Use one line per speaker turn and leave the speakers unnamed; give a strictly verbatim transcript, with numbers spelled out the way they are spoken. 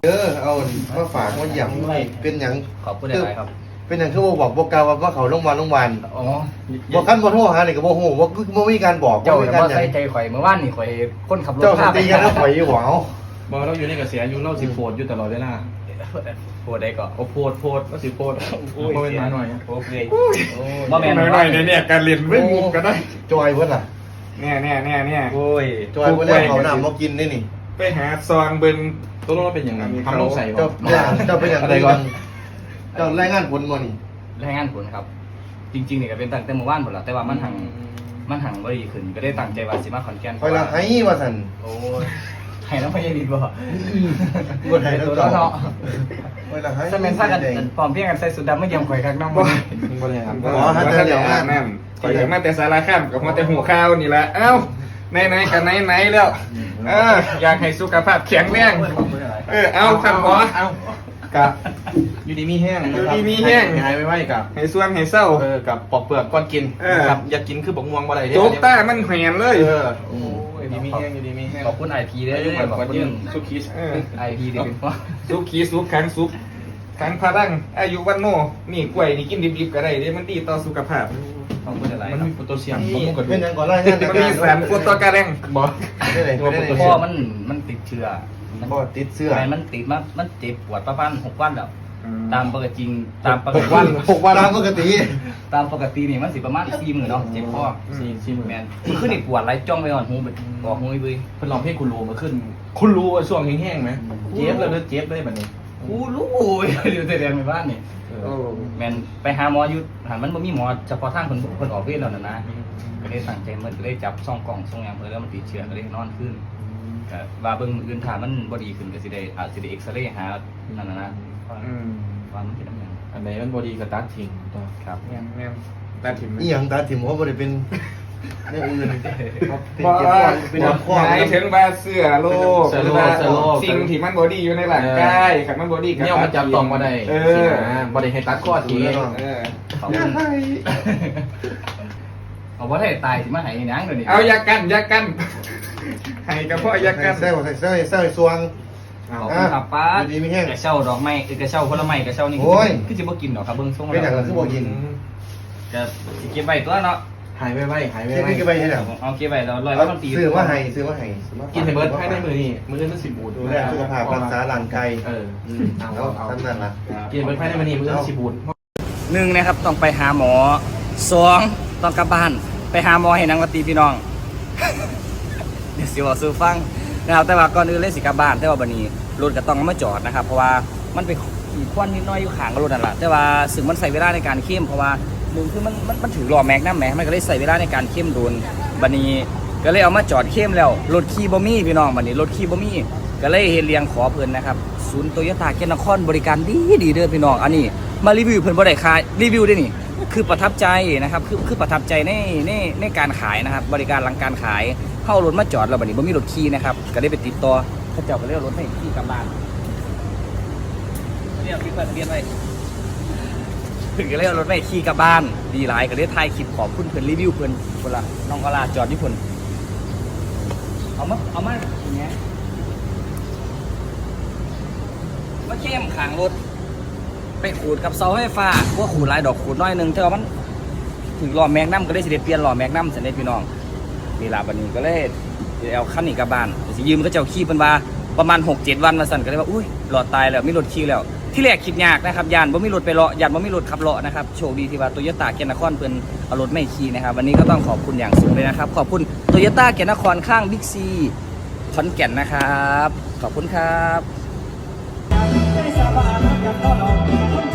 เออเอามาฝากมาหยั่งเป็นหยัง
ขอบคุณหลายครับ
เป็นหยังคือบ่บอกบอกกล่าวว่าเขาโรงพยาบาลโรงพยาบาล
อ๋อ
บอกคันบ่โทรหานี่ก็บ่ฮู้ว่าบ่มีการบอก
เจ้า
บ่มี
แต่
การ
ว่า
หยัง
ใส่ใจข่อยเมื่อวานนี่ข่อยคนขับรถ
เจ้าตีกันแล้วข่อยอยู่บ่เอา
บอกเราอยู่ในกระแสอยู่เราสิโพดอยู่ตลอดเวลา
ปวดได้ก็
โอ้โพดโพดก็สิโพดโอ้ยมาหน่อย
โอเคบ่แม่น
หน่อยเนี่ยการเรียนไม่มุกก็ได้
จอยเพิ่นล่ะ
เนี่ยเนี่ยเนี่ยเนี่ย
โอ้ย
จอยเพิ่นแล้วเขาน้ำมากินนี่นี่
ไปหาซองเบิ้งตัวเราเป็นอย่างไรทำลงใส่
เจ้าเจ้าเป็นหยัง
อะไรก่อน
เจ้ารายงานผลบ่นี่
รายงานผลครับ จริงๆนี่ก็เป็นตั้งแต่เมื่อวานหมดแล้วแต่ว่ามันหังมันหังบ่ดีขึ้นก็ได้ตั้งใจว่าสิมาขอนแก่น
ข่อยละให้ว่าซั่น
โอ้ยให้น้ำพยาดีบ่
บ่ให้ทั้ง
ตัว
สอง
เนาะ
ข่อยละให้
ถ้าแม่นซ่ากันปลอมเพียงกันใส่สุดดำไม่เยี่ยมข่อยคักน้องบ่
บ่ได้ครับ
อ๋อถ้าเจออย่างนั้น
นั่นขออย่างมาแต่สาราข้ามกับมาแต่หัวข้าวนี่แหละเอ้าไหนไหนกันไหนไหนแล้วเอออยากให้สุขภาพแข็งแรงเออเอาครับหมอเอากะอยู่ดีมีแห้งอยู่ดีมีแห้งหายไปไว้กับให้ส่วนให้เศร้าเออกับปอกเปลือกก่อนกินกับอยากกินคือบักม่วงบ่ได้เด้โจ๊กต้ามันแหวนเลยเออโอ้ยดีมีแห้งอยู่ดีมีแห้ง
ขอบคุณ ไอ พี เด้อ
ข
ข
อ
อ
บบ คุ
คุณ ณ
สุขี
ไอ พี เด้อเป็นพ่อ
สุขีสุขขังสุขขังพลังอายุวันโนนี่กล้วยนี่กินดิบๆก็ได้เด้มันดีต่อสุขภาพ
ขอบคุณหลาย
มัน
ครับ
มีโพแทสเซียมบำรุงกระดู
เป็น
ก
หยังก่อนรายงาน
มันมีสารโฟโตกาแรงบ่
ได้ไหนได้ไหน
พ่อมันมันติดเชื้อ
บ่ติดเสื้อ
อะไรมันติดมามันเจ็บปวดประมาณหกวันแล้วตามปกติจริงตามปก
ห
ติ
กวันหกวันตามปกติ
ตามปกตินี่มันสิประมาณสี่หมื่นเนาะเจ็บคอ
สี่สี่หมื่น
แมนมันขึ้นอีกปวดไหลจ้องไปอ่อนหูไปออกหูไป
เพิ่นลองเพลงคุณรู้มาขึ้น คุณรู้ว่าช่วงแห้งๆไหมเจ็บแล้วเด้อเจ็บเลยบัดนี้
กูรู้อยู่แต่แดงในบ้านนี่
โอ้
แมนไปหาหมออยู่หันมันบ่มีหมอเฉพาะทางคนคนออกเวรแล้วนะนะก็ได้สั่งใจมันก็ได้จับซ่องกล่องซ่องยางเพื่อแล้วมันติดเชื้อก็ได้นอนขึ้นก็ว่าเบิ่งอื่นถ้ามันบ่ดีขึ้นก็สิได้อาจสิได้เอ็กซเรย์หานั่นน่ะนะ
อืม
ว่ามันเป็นน้ำยัง
อันไหนมันบ่ดีก็ตัดทิ้งตัว
ครับ
แม่นแม่นตัดทิ้ง
อีหยังตาถิ่มเขาบ่ได้เป็นเนี่ยอื่นติด
บ่
เจ็บคอเป็นน้ำคอ
หมายถึงว่าเสื้อโลกหรือว่าสิ่งที่มันบ่ดีอยู่ในร่างกายคันมันบ่ดีก็
เนี่ยมันจับต้องมาได้
เอ
สิ
อ
นะบ่ได้ให้ตัดข้อที
เออ
ขอบคุณเอาบ่ได้ตายสิมาให้หยังเดี๋ยวนี้
เอาอย่ากันอย่ากันให้กับพ่ออย่ากัน
ใส่ใส่ใส่ใส่สวง
ขอบคุณครับป้า
อยู่ดีมีแห้ง
กระเช้าดอกไม้เอ้ยกระเช้าผลไม้กระเช้านี่
โอ้ย
คือสิบ่กินดอกครับเบิ่งทรง
เป็นอย่าง
แล้
นั้
วน
คือบ่กิน
ก็สิเก็บไว้ตัวเนาะ
หายไปไว้หายไป
เก็บ
ไว้
นี่ก็ไปให้แล้ว
เอาเก็บไว้แล้วร้อยวันมันปี
ซื้อมาให้ซื้อมาให้
กินให้เบิร์ดให้ได้มือนี่มือนี่มันสิบูด
ดูแลสุขภาพรักษาร่างกาย
เออ
อืมเอาทำนั่นล่ะ
กินเบิร์ดให้ได้มือนี่มือนี่สิบูด
หนึ่งนะครับต้องไปหาหมอสองต้องกลับบ้านไปหาหมอให้นางวัตีพี่น้อง เดี๋ยวสิบอกซื้อฟังนะครับแต่ว่าก่อนอื่นเลยสิกลับบ้านแต่ว่าบัดนี้รถก็ต้องเอามาจอดนะครับเพราะว่ามันไปขี่ควันนิดหน้อยอยู่ข้างกับรถนั่นแหละแต่ว่าซึ่งมันใส่เวลาในการเข้มเพราะว่าหนึ่งคือมันมันมันถือล้อแม็กนะแม็กมันก็เลยใส่เวลาในการเข้มโดนบัดนี้ก็เลยเอามาจอดเข้มแล้วรถขี่บ่มีพี่น้องบัดนี้รถขี่บ่มีก็เลยเฮ็ดเรียงขอเพิ่นนะครับศูนย์โตโยต้าเกียรตินครบริการดีดีเด้อพี่น้องอันนี้มารีวิวเพิ่นบ่ได้ขายรีวิวได้นี่คือประทับใจนะครับคือคือประทับใจในในในการขายนะครับบริการหลังการขายเข้ารถมาจอดแล้วบัดนี้บ่มีรถขี่นะครับก็ได้ไปติดต่อเขาเจ้าก็เลยเอารถให้ขี่กลับบ้านเรียกพี่เพิ่นเรียนไว้ถึงก็เลยเอารถไปขี่กลับบ้านดีหลายก็ได้ถ่ายคลิปขอบคุณเพิ่นรีวิวเพิ่นคนละน้องกะลาจอดที่เพิ่นเอามาเอามาอย่างเงี้ยมาเข้มขางรถไปขูดกับเสาไฟฟ้าว่าขูดหลายดอกขูดน้อยหนึงแต่ว่ามันถึงล้อแม็กนัมก็ได้สิได้เปลี่ยนล้อแม็กนัมสันเด้พี่น้องนี่ล่ะบัดนี้ก็เลยเอาคันนี้กลับบ้านสิยืมก็เจ้าขี่เพิ่นว่าประมาณ หกเจ็ด วันมาสั่นก็เลยว่าอุ้ยหลอดตายแล้วมีรถขี่แล้วที่แรกคิดยากนะครับยานบ่มีรถไปเลาะยานบ่มีรถขับเลาะนะครับโชคดีที่ว่าโตโยต้าเกียรตินครเพิ่นเอารถไม่ขี่นะครับวันนี้ก็ต้องขอบคุณอย่างสูงเลยนะครับขอบคุณโตโยต้าเกียรตินครข้างบิ๊กซีขอนแก่นนะครับขอบคุณครับ